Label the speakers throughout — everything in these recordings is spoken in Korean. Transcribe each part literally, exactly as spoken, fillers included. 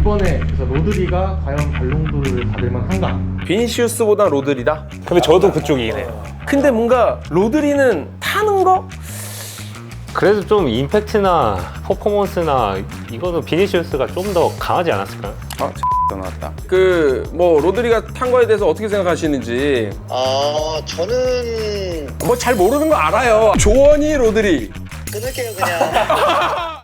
Speaker 1: 이번에 그래서 로드리가 과연 발롱도르를 받을 만한가?
Speaker 2: 비니시우스보다 로드리다?
Speaker 3: 근데 저도 그쪽이긴 해요.
Speaker 2: 근데 뭔가 로드리는 타는 거?
Speaker 3: 그래도 좀 임팩트나 퍼포먼스나 이거는 비니시우스가 좀 더 강하지 않았을까요?
Speaker 2: 아, 나왔다. 그 뭐 로드리가 탄 거에 대해서 어떻게 생각하시는지.
Speaker 4: 아, 저는
Speaker 2: 뭐 잘 모르는 거 알아요. 조원이 로드리.
Speaker 4: 끊을게요, 그냥.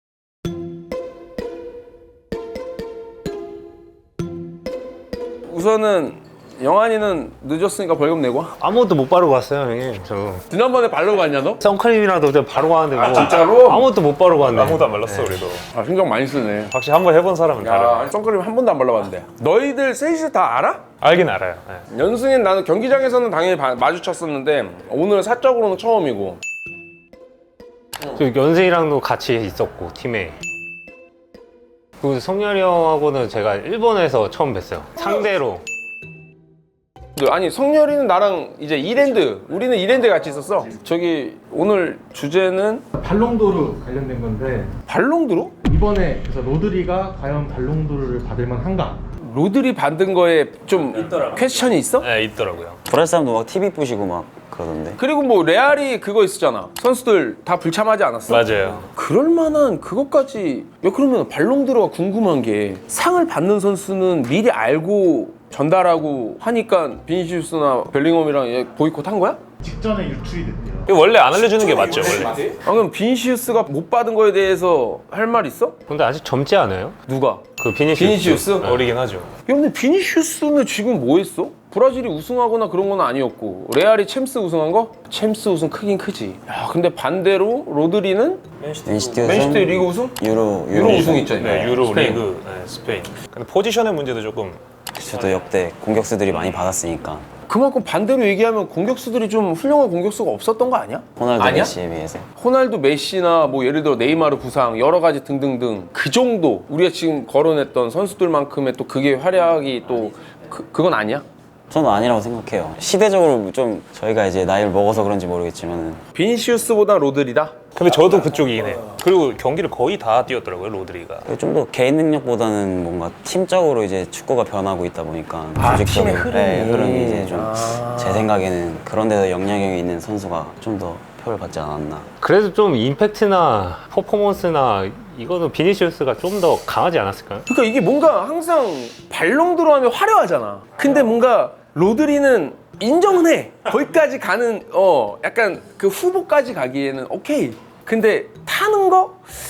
Speaker 2: 우선은 영환이는 늦었으니까 벌금 내고 와.
Speaker 3: 아무것도 못 바르고 왔어요, 형님. 저
Speaker 2: 지난번에 바르고 왔냐 너?
Speaker 3: 선크림이라도 좀 바르고 왔는데 뭐
Speaker 2: 진짜로?
Speaker 3: 아무것도 못 바르고 왔네.
Speaker 5: 아무도 안 발랐어 우리도.
Speaker 2: 아, 신경 많이 쓰네.
Speaker 5: 확실히 한번 해본 사람은 다르네.
Speaker 2: 야, 선크림 한 번도 안 발라봤는데. 너희들 셋이 다 알아?
Speaker 5: 알긴 알아요. 네.
Speaker 2: 연승인 나는 경기장에서는 당연히 바- 마주쳤었는데 오늘 사적으로는 처음이고.
Speaker 3: 저 연세이랑도 같이 있었고 팀에. 그 성렬이 형하고는 제가 일본에서 처음 뵀어요. 상대로.
Speaker 2: 아니 성렬이는 나랑 이제 이랜드 우리는 이랜드 같이 있었어. 저기 오늘 주제는
Speaker 1: 발롱도르 관련된 건데
Speaker 2: 발롱드로?
Speaker 1: 이번에 그래서 로드리가 과연 발롱도르를 받을 만한가?
Speaker 2: 로드리 받은 거에 좀 퀘스천이 있어?
Speaker 5: 네, 있더라고요.
Speaker 6: 브라질 사람도 막 티비 부시고 막 그러던데.
Speaker 2: 그리고 뭐 레알이 그거 있었잖아. 선수들 다 불참하지 않았어?
Speaker 5: 맞아요.
Speaker 2: 그럴 만한 그것까지. 야, 그러면 발롱드로가 궁금한 게 상을 받는 선수는 미리 알고 전달하고 하니까 비니시우스나 벨링엄이랑 얘 보이콧 한 거야?
Speaker 1: 직전에 유출이 됐대요.
Speaker 5: 이거 원래 안 알려주는 게 맞죠, 원래.
Speaker 2: 아, 그럼 비니시우스가 못 받은 거에 대해서 할 말 있어?
Speaker 3: 근데 아직 젊지 않아요?
Speaker 2: 누가?
Speaker 3: 그 비니시우스.
Speaker 2: 비니시우스?
Speaker 5: 어리긴 하죠.
Speaker 2: 야, 근데 비니시우스는 지금 뭐 했어? 브라질이 우승하거나 그런 건 아니었고 레알이 챔스 우승한 거? 챔스 우승 크긴 크지. 야, 근데 반대로 로드리는
Speaker 6: 맨시티 우승,
Speaker 2: 맨시티 리그 우승?
Speaker 6: 유로
Speaker 2: 유로 우승 있잖아요.
Speaker 5: 네, 유로
Speaker 2: 스페인.
Speaker 5: 리그, 네, 스페인. 근데 포지션의 문제도 조금.
Speaker 6: 저도 역대 공격수들이 많이 받았으니까
Speaker 2: 그만큼 반대로 얘기하면 공격수들이 좀 훌륭한 공격수가 없었던 거 아니야?
Speaker 6: 호날두
Speaker 2: 아니야?
Speaker 6: 메시에 비해서.
Speaker 2: 호날두 메시나 뭐 예를 들어 네이마르 부상 여러 가지 등등등 그 정도 우리가 지금 거론했던 선수들만큼의 또 그게 활약이 또 그, 그건 아니야?
Speaker 6: 저는 아니라고 생각해요. 시대적으로 좀 저희가 이제 나이를 먹어서 그런지 모르겠지만
Speaker 2: 비니시우스보다 로드리다?
Speaker 5: 근데 저도 그쪽이긴 해요. 그리고 경기를 거의 다 뛰었더라고요, 로드리가.
Speaker 6: 좀 더 개인 능력보다는 뭔가 팀적으로 이제 축구가 변하고 있다 보니까
Speaker 2: 아,
Speaker 6: 조직적으로
Speaker 2: 팀의 흐름이.
Speaker 6: 네, 흐름이 이제 좀 제
Speaker 2: 아.
Speaker 6: 생각에는 그런 데서 영향력이 있는 선수가 좀 더 표를 받지 않았나.
Speaker 3: 그래도 좀 임팩트나 퍼포먼스나 이거는 비니시우스가 좀 더 강하지 않았을까요?
Speaker 2: 그러니까 이게 뭔가 항상 발롱드로 하면 화려하잖아. 근데 뭔가 로드리는 인정은 해. 거기까지 가는 어 약간 그 후보까지 가기에는 오케이. 근데 타는 거?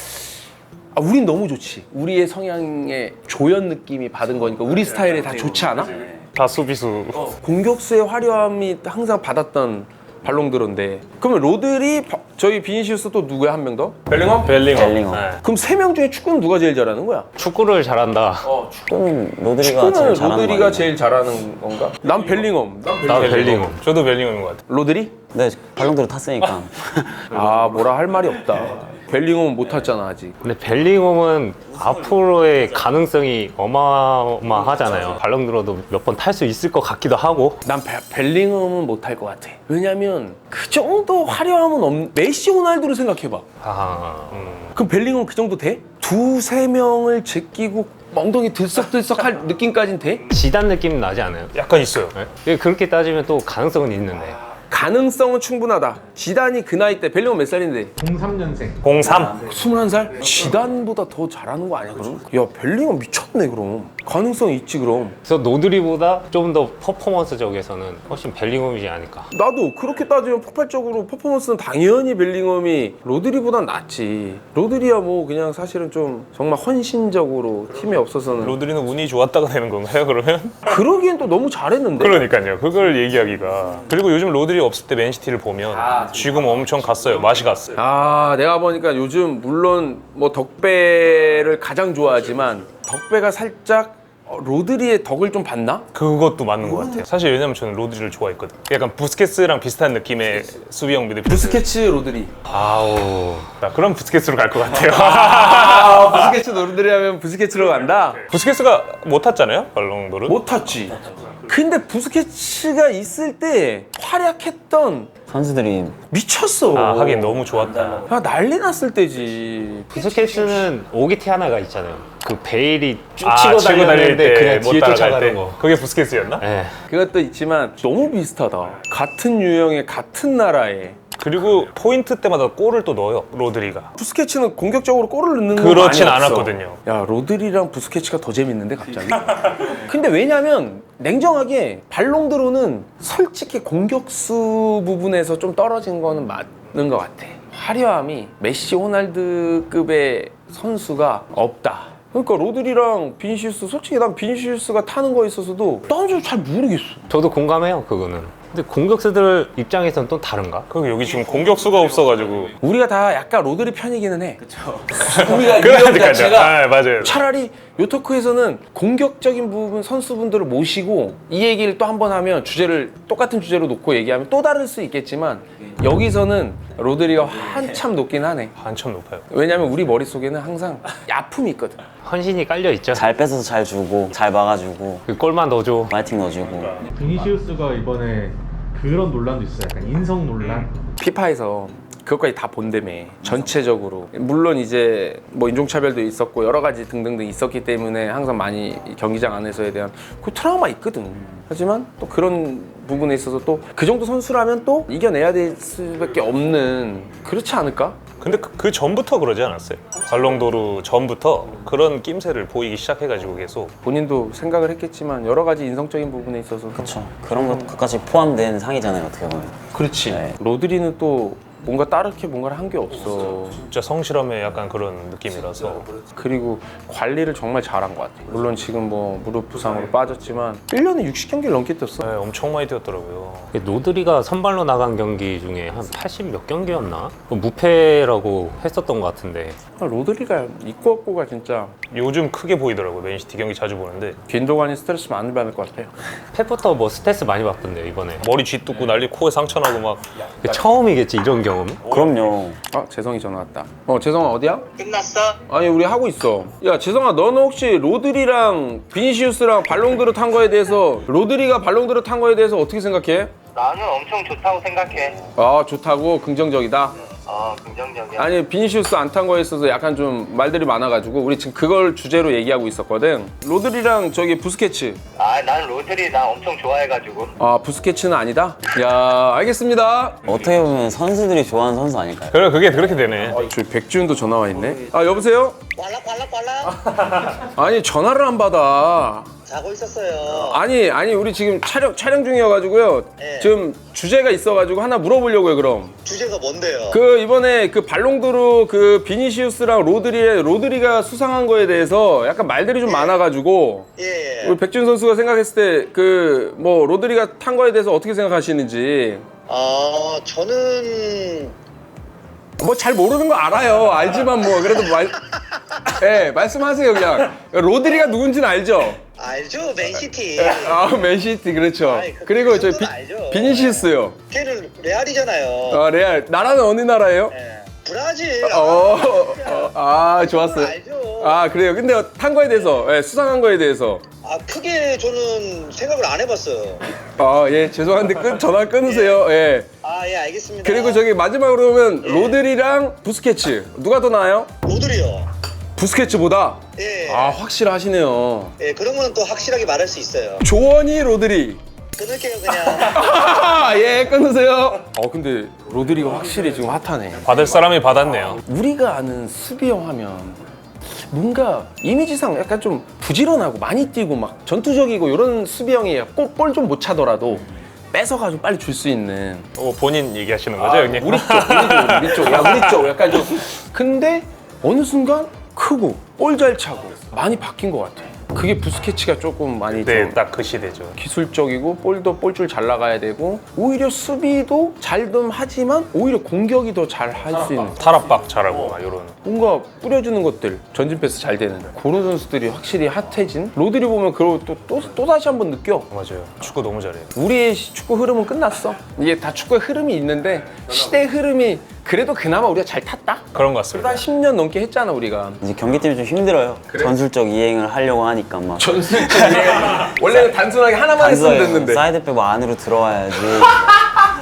Speaker 2: 아, 우린 너무 좋지. 우리의 성향의 조연 느낌이 받은 거니까 우리 스타일에 다 좋지 않아?
Speaker 5: 다 수비수.
Speaker 2: 공격수의 화려함이 항상 받았던 발롱드로인데 그러면 로드리, 바- 저희 비니시우스 또 누구야 한 명 더? 벨링엄?
Speaker 5: 벨링엄.
Speaker 6: 벨링엄.
Speaker 5: 네.
Speaker 2: 그럼 세 명 중에 축구는 누가 제일 잘하는 거야?
Speaker 3: 축구를 잘한다.
Speaker 6: 축구는 로드리가
Speaker 2: 축구는
Speaker 6: 제일 잘하는
Speaker 2: 로드리가
Speaker 6: 거 아닌가?
Speaker 2: 제일 잘하는 건가? 난 벨링엄.
Speaker 3: 나 벨링엄.
Speaker 5: 저도 벨링엄인 것 같아요.
Speaker 2: 로드리?
Speaker 6: 네, 발롱도르 탔으니까.
Speaker 2: 아, 뭐라 할 말이 없다. 벨링엄은 못 탔잖아 아직.
Speaker 3: 근데 벨링엄은 앞으로의 가능성이 어마어마하잖아요. 발롱도르도 몇 번 탈 수 있을 것 같기도 하고.
Speaker 2: 난 벨- 벨링엄은 못 탈 것 같아. 왜냐면 그 정도 화려함은 없. 메시, 호날두를 생각해봐.
Speaker 3: 아, 음.
Speaker 2: 그럼 벨링엄 그 정도 돼? 두세 명을 제끼고 엉덩이 들썩들썩할 느낌까진 돼?
Speaker 3: 지단 느낌 나지 않아요?
Speaker 5: 약간 있어요.
Speaker 3: 네? 그렇게 따지면 또 가능성은 있는데.
Speaker 2: 가능성은 충분하다. 지단이 그 나이 때 벨링엄 몇 살인데?
Speaker 1: 공삼 년생.
Speaker 5: 공삼.
Speaker 2: 스물한 살? 지단보다 더 잘하는 거 아니야 그럼? 야, 벨링엄 미쳤네 그럼. 가능성 있지 그럼.
Speaker 3: 그래서 노드리보다 좀 더 퍼포먼스적에서는 훨씬 벨링엄이지 않을까.
Speaker 2: 나도 그렇게 따지면 폭발적으로 퍼포먼스는 당연히 벨링엄이 로드리보단 낫지. 로드리야 뭐 그냥 사실은 좀 정말 헌신적으로 팀에 없어서는
Speaker 5: 로드리는 운이 좋았다가 되는 건가요, 그러면?
Speaker 2: 그러기엔 또 너무 잘했는데.
Speaker 5: 그러니까요. 그걸 얘기하기가. 그리고 요즘 로드리 없을 때 맨시티를 보면 지금 엄청 갔어요. 맛이 갔어요.
Speaker 2: 아, 내가 보니까 요즘 물론 뭐 덕배를 가장 좋아하지만 덕배가 살짝 어, 로드리의 덕을 좀 봤나?
Speaker 5: 그것도 맞는 것 같아요. 사실 왜냐면 저는 로드리를 좋아했거든요. 약간 부스케츠랑 비슷한 느낌의 수비형 미드필더.
Speaker 2: 부스케츠 로드리.
Speaker 3: 아우.
Speaker 5: 자, 그럼 부스케츠로 갈 것 같아요.
Speaker 2: 아, 부스케츠 로드리 하면 부스케츠로 간다?
Speaker 5: 부스케츠가 못 탔잖아요, 발롱도르.
Speaker 2: 못 탔지. 근데 부스케츠가 있을 때 활약했던
Speaker 6: 선수들이
Speaker 2: 미쳤어.
Speaker 5: 아 하긴 너무 좋았다.
Speaker 2: 야, 난리 났을 때지.
Speaker 3: 부스케츠는 오기티 하나가 있잖아요. 그 베일이 쭉
Speaker 5: 아,
Speaker 3: 치고
Speaker 5: 치고 달릴
Speaker 3: 달리는데
Speaker 5: 때
Speaker 3: 그냥
Speaker 5: 못
Speaker 3: 뒤에
Speaker 5: 따라갈
Speaker 3: 쫓아가는
Speaker 5: 때.
Speaker 3: 거.
Speaker 5: 그게 부스케츠였나?
Speaker 3: 예.
Speaker 2: 그것도 있지만 너무 비슷하다. 같은 유형의 같은 나라에.
Speaker 5: 그리고 포인트 때마다 골을 또 넣어요 로드리가.
Speaker 2: 부스케츠는 공격적으로 골을 넣는 거
Speaker 5: 그렇진
Speaker 2: 많이 없어.
Speaker 5: 않았거든요.
Speaker 2: 야 로드리랑 부스케츠가 더 재밌는데 갑자기. 근데 왜냐면 냉정하게 발롱드로는 솔직히 공격수 부분에서 좀 떨어진 거는 맞는 것 같아. 화려함이 메시, 호날두급의 선수가 없다. 그러니까 로드리랑 비니시우스, 솔직히 난 비니시우스가 타는 거에 있어서도 난 좀 잘 모르겠어.
Speaker 3: 저도 공감해요, 그거는. 근데 공격수들 입장에서는 또 다른가?
Speaker 5: 그리고 여기 지금 공격수가 없어가지고.
Speaker 2: 우리가 다 약간 로드리 편이기는 해. 그렇죠. 우리가 유형
Speaker 5: 그러니까요.
Speaker 2: 자체가
Speaker 5: 아, 맞아요.
Speaker 2: 차라리 요토크에서는 공격적인 부분 선수분들을 모시고 이 얘기를 또 한 번 하면 주제를 똑같은 주제로 놓고 얘기하면 또 다를 수 있겠지만 여기서는 로드리가 한참 높긴 하네.
Speaker 5: 한참 높아요.
Speaker 2: 왜냐면 우리 머릿속에는 항상 아픔이 있거든.
Speaker 3: 헌신이 깔려 있죠.
Speaker 6: 잘 뺏어서 잘 주고 잘 막아주고
Speaker 3: 그 골만 넣어줘.
Speaker 6: 파이팅 넣어주고.
Speaker 1: 비니시우스가 이번에 그런 논란도 있어요. 약간 인성 논란.
Speaker 2: 피파에서 그것까지 다 본다며 전체적으로. 물론 이제 뭐 인종차별도 있었고 여러 가지 등등등 있었기 때문에 항상 많이 경기장 안에서에 대한 그 트라우마 있거든. 하지만 또 그런 부분에 있어서 또 그 정도 선수라면 또 이겨내야 될 수밖에 없는, 그렇지 않을까?
Speaker 5: 근데 그, 그 전부터 그러지 않았어요? 발롱도르 전부터 그런 낌새를 보이기 시작해가지고 계속.
Speaker 2: 본인도 생각을 했겠지만 여러 가지 인성적인 부분에 있어서
Speaker 6: 그렇죠. 그런 것까지 포함된 상이잖아요, 어떻게 보면.
Speaker 2: 그렇지.
Speaker 6: 네.
Speaker 2: 로드리는 또 뭔가 따르게 뭔가를 한 게 없어.
Speaker 5: 진짜 성실함의 약간 그런 느낌이라서.
Speaker 2: 그리고 관리를 정말 잘한 것 같아. 물론 지금 뭐 무릎 부상으로 빠졌지만 일 년에 육십 경기를 넘게 뛰었어.
Speaker 5: 네, 엄청 많이 뛰었더라고요.
Speaker 3: 노드리가 선발로 나간 경기 중에 한 팔십 몇 경기였나? 그 무패라고 했었던 것 같은데.
Speaker 2: 로드리가 있고 없고가 진짜
Speaker 5: 요즘 크게 보이더라고요. 맨시티 경기 자주 보는데
Speaker 2: 빈도관이 스트레스 많이 받을 것 같아요.
Speaker 3: 펩부터 뭐 스트레스 많이 받던데요, 이번에.
Speaker 5: 머리 쥐뜯고 난리, 코에 상처 나고 막.
Speaker 3: 그 처음이겠지, 이런 경험?
Speaker 6: 그럼요.
Speaker 2: 아 재성이 전화 왔다. 어 재성아 어디야?
Speaker 4: 끝났어?
Speaker 2: 아니 우리 하고 있어. 야 재성아 너는 혹시 로드리랑 비니시우스랑 발롱드르 탄 거에 대해서, 로드리가 발롱드르 탄 거에 대해서 어떻게 생각해?
Speaker 4: 나는 엄청 좋다고 생각해.
Speaker 2: 아 좋다고, 긍정적이다.
Speaker 4: 어, 긍정적이야.
Speaker 2: 아니 비니시우스 안 탄 거에 있어서 약간 좀 말들이 많아가지고 우리 지금 그걸 주제로 얘기하고 있었거든. 로드리랑 저기 부스케츠.
Speaker 4: 아, 난 로드리 나 엄청 좋아해가지고.
Speaker 2: 아 부스케츠는 아니다. 야 알겠습니다.
Speaker 6: 어떻게 보면 선수들이 좋아하는 선수 아닐까요?
Speaker 5: 그래, 그게 그렇게 되네.
Speaker 2: 저기 백지훈도 전화 와 있네. 아 여보세요?
Speaker 4: 왈락왈락왈락.
Speaker 2: 아니 전화를 안 받아.
Speaker 4: 자고 있었어요.
Speaker 2: 아니 아니 우리 지금 촬영 촬영 중이어가지고요.
Speaker 4: 네.
Speaker 2: 지금 주제가 있어가지고 하나 물어보려고요. 그럼
Speaker 4: 주제가 뭔데요?
Speaker 2: 그 이번에 그 발롱도르 그 비니시우스랑 로드리의 로드리가 수상한 거에 대해서 약간 말들이 좀 많아가지고
Speaker 4: 예, 예.
Speaker 2: 우리 백준 선수가 생각했을 때 그 뭐 로드리가 탄 거에 대해서 어떻게 생각하시는지.
Speaker 4: 어, 저는
Speaker 2: 뭐 잘 모르는 거 알아요. 알지만 뭐 그래도 말, 예 말씀하세요 그냥. 로드리가 누군지는 알죠.
Speaker 4: 알죠, 맨시티.
Speaker 2: 아 맨시티 그렇죠.
Speaker 4: 아이, 그-
Speaker 2: 그리고
Speaker 4: 그
Speaker 2: 저
Speaker 4: 정도는
Speaker 2: 비,
Speaker 4: 알죠.
Speaker 2: 비니시우스요.
Speaker 4: 걔는 레알이잖아요.
Speaker 2: 아 레알. 나라는 어느 나라예요?
Speaker 4: 예. 브라질.
Speaker 2: 어, 어, 아 좋았어요.
Speaker 4: 알죠.
Speaker 2: 아 그래요. 근데 탄 거에 대해서, 예, 수상한 거에 대해서.
Speaker 4: 아, 크게 저는 생각을 안 해봤어요.
Speaker 2: 아 예 죄송한데 끊 전화 끊으세요. 예.
Speaker 4: 아, 예, 알겠습니다.
Speaker 2: 그리고 저기 마지막으로 보면 로드리랑 부스케츠 누가 더 나아요?
Speaker 4: 로드리요.
Speaker 2: 부스케츠보다.
Speaker 4: 예.
Speaker 2: 아 확실하시네요.
Speaker 4: 예, 그런 거는 또 확실하게 말할 수 있어요.
Speaker 2: 조원이 로드리.
Speaker 4: 끊을게요, 그냥.
Speaker 2: 예 끊으세요. 어 근데 로드리가 확실히 지금 핫하네.
Speaker 5: 받을 사람이 받았네요.
Speaker 2: 우리가 아는 수비형 하면 뭔가 이미지상 약간 좀 부지런하고 많이 뛰고 막 전투적이고 이런 수비형이 골 좀 못 차더라도 뺏어가지고 빨리 줄 수 있는.
Speaker 5: 어, 본인 얘기하시는 거죠, 형님?
Speaker 2: 우리 쪽, 우리 쪽, 우리 쪽, 야 우리 쪽 약간 좀. 근데 어느 순간 크고 볼 잘 차고 많이 바뀐 것 같아. 그게 부스케츠가 조금 많이
Speaker 5: 네,
Speaker 2: 좀
Speaker 5: 딱 그 시대죠.
Speaker 2: 기술적이고 볼도 볼줄 잘 나가야 되고 오히려 수비도 잘 좀 하지만 오히려 공격이 더 잘 할 수 있는,
Speaker 5: 탈압박 잘하고 막 이런.
Speaker 2: 뭔가 뿌려주는 것들, 전진 패스 잘 되는 그런 선수들이 확실히 핫해진. 로드리 보면 그걸 또, 또, 또 다시 한번 느껴.
Speaker 5: 맞아요. 축구 너무 잘해요.
Speaker 2: 우리의 시- 축구 흐름은 끝났어. 이게 다 축구의 흐름이 있는데 시대 흐름이 그래도 그나마 우리가 잘 탔다?
Speaker 5: 그런 것 같습니다.
Speaker 2: 한 십 년 넘게 했잖아 우리가.
Speaker 6: 이제 경기팀이 좀 힘들어요. 전술적 이행을 하려고 하니까 막
Speaker 2: 전술적 원래는 단순하게 하나만 했으면
Speaker 6: 단서예요.
Speaker 2: 됐는데.
Speaker 6: 사이드백 뭐 안으로 들어와야지.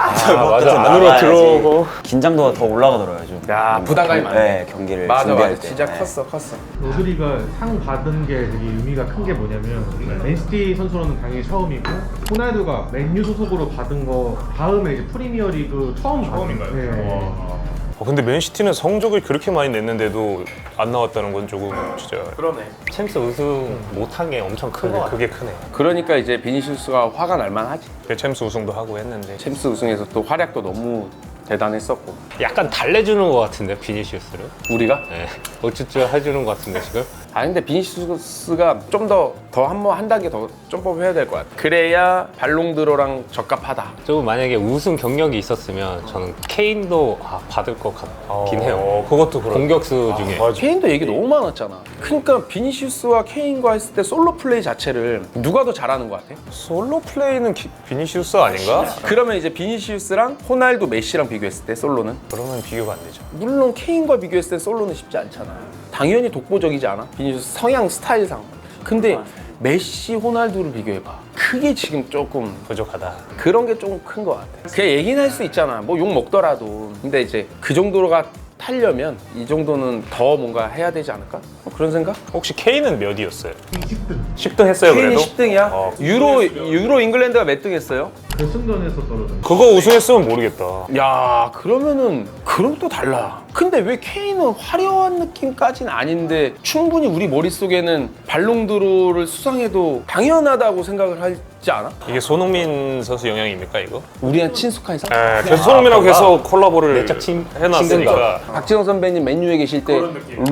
Speaker 3: 아, 맞아.
Speaker 6: 좀
Speaker 3: 안으로
Speaker 6: 나가야지.
Speaker 3: 들어오고.
Speaker 6: 긴장도가 더 올라가더라고요. 요즘.
Speaker 2: 야,
Speaker 6: 뭔가
Speaker 2: 부담감이
Speaker 6: 경-
Speaker 2: 많네.
Speaker 6: 네, 경기를
Speaker 2: 맞아
Speaker 6: 준비할
Speaker 2: 맞아
Speaker 6: 때.
Speaker 2: 진짜
Speaker 6: 네.
Speaker 2: 컸어 컸어.
Speaker 1: 로드리가 상 받은 게 되게 의미가 큰 게 뭐냐면 맨시티 선수로는 당연히 처음이고 호날두가 맨유 소속으로 받은 거 다음에 이제 프리미어리그 처음 처음인가요? 네.
Speaker 5: 어, 근데 맨시티는 성적을 그렇게 많이 냈는데도 안 나왔다는 건 조금 진짜
Speaker 2: 그러네.
Speaker 3: 챔스 우승 못한 게 엄청 큰 거 같아.
Speaker 5: 그게 크네.
Speaker 2: 그러니까 이제 비니시우스가 화가 날 만하지.
Speaker 5: 그 챔스 우승도 하고 했는데
Speaker 2: 챔스 우승에서 또 활약도 너무 대단했었고.
Speaker 3: 약간 달래주는 거 같은데 비니시우스를.
Speaker 2: 우리가?
Speaker 3: 네. 어쭈쭈 해주는 거 같은데 지금.
Speaker 2: 아 근데 비니시우스가 좀 더 더 한 번 한 단계 더 점프해야 될 것 같아. 그래야 발롱드로랑 적합하다.
Speaker 3: 좀 만약에 우승 경력이 있었으면 저는 케인도 아, 받을 것 같긴 해요.
Speaker 5: 어, 그것도 그렇고.
Speaker 3: 공격수 중에.
Speaker 5: 맞아.
Speaker 2: 케인도 얘기 너무 많았잖아. 그러니까 비니시우스와 케인과 했을 때 솔로 플레이 자체를 누가 더 잘하는 것 같아?
Speaker 5: 솔로 플레이는 기- 비니시우스 아닌가?
Speaker 2: 그러면 이제 비니시우스랑 호날두, 메시랑 비교했을 때 솔로는?
Speaker 5: 그러면 비교가 안 되죠.
Speaker 2: 물론 케인과 비교했을 때 솔로는 쉽지 않잖아. 당연히 독보적이지 않아? 비니시우스 성향 스타일상. 근데 메시, 호날두를 비교해봐. 그게 지금 조금
Speaker 5: 부족하다.
Speaker 2: 그런 게 조금 큰 것 같아. 그냥 얘기는 할 수 있잖아. 뭐 욕 먹더라도. 근데 이제 그 정도가 타려면 이 정도는 더 뭔가 해야 되지 않을까? 뭐 그런 생각?
Speaker 5: 혹시 K는 몇이었어요?
Speaker 1: 십 등.
Speaker 5: 십 등 했어요
Speaker 2: 케인이
Speaker 5: 그래도?
Speaker 2: 십 등이야?
Speaker 5: 어.
Speaker 2: 유로 유로 잉글랜드가 몇 등 했어요?
Speaker 1: 결승전에서 떨어졌네.
Speaker 5: 그거 우승했으면 모르겠다.
Speaker 2: 야, 그러면은 그럼 또 달라. 근데 왜 케인은 화려한 느낌까지는 아닌데 충분히 우리 머릿속에는 발롱드로를 수상해도 당연하다고 생각을 하지 않아?
Speaker 5: 이게 손흥민 선수 영향입니까 이거?
Speaker 2: 우리한 친숙한 상?
Speaker 5: 네, 그래서 손흥민하고 계속 콜라보를
Speaker 3: 내적 친-
Speaker 5: 해놨으니까
Speaker 2: 박진영 선배님 맨유에 계실 때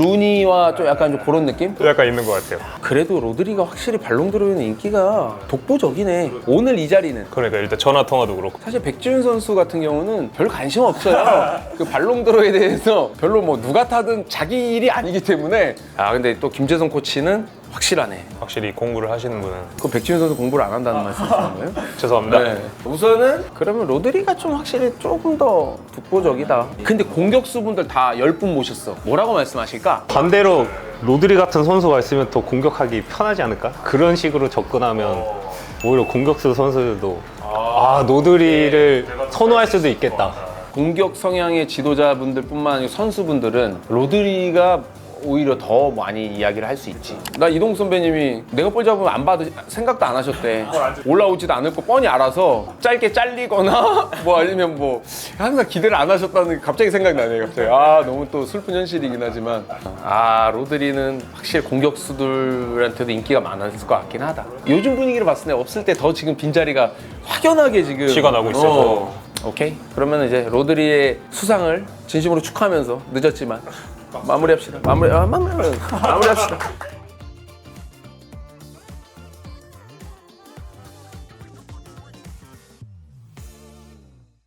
Speaker 2: 루니와 좀 약간 좀 그런 느낌?
Speaker 5: 약간 있는 것 같아요.
Speaker 2: 그래도 로드리가 확실히 발롱드로에는 인기가 독보적이네. 오늘 이 자리는
Speaker 5: 그러니까 일단 전화 통화도 그렇고.
Speaker 2: 사실 백지훈 선수 같은 경우는 별 관심 없어요. 그 발롱드로에 대해서 별로 뭐 누가 타든 자기 일이 아니기 때문에. 아 근데 또 김재성 코치는 확실하네.
Speaker 5: 확실히 공부를 하시는 분은
Speaker 2: 그 백지훈 선수 공부를 안 한다는 말씀이신 거예요?
Speaker 5: 죄송합니다.
Speaker 2: 네. 우선은 그러면 로드리가 좀 확실히 조금 더 독보적이다. 근데 공격수분들 다 열 분 모셨어. 뭐라고 말씀하실까?
Speaker 3: 반대로 로드리 같은 선수가 있으면 더 공격하기 편하지 않을까? 그런 식으로 접근하면 오히려 공격수 선수들도 아 로드리를 선호할 수도 있겠다.
Speaker 2: 공격 성향의 지도자분들뿐만 아니라 선수분들은 로드리가 오히려 더 많이 이야기를 할 수 있지. 나 이동국 선배님이 내가 볼 잡으면 안 받으 생각도 안 하셨대. 올라오지도 않을 거 뻔히 알아서 짧게 잘리거나 뭐 아니면 뭐 항상 기대를 안 하셨다는 게 갑자기 생각나네. 갑자기 아 너무 또 슬픈 현실이긴 하지만 아 로드리는 확실히 공격수들한테도 인기가 많았을 것 같긴 하다. 요즘 분위기를 봤을 때 없을 때 더 지금 빈자리가 확연하게 지금
Speaker 5: 티가 나고 있어서.
Speaker 2: 어. 오케이. 그러면 이제 로드리의 수상을 진심으로 축하하면서 늦었지만 마무리합시다. 마무리 아, 마무리 마무리합시다.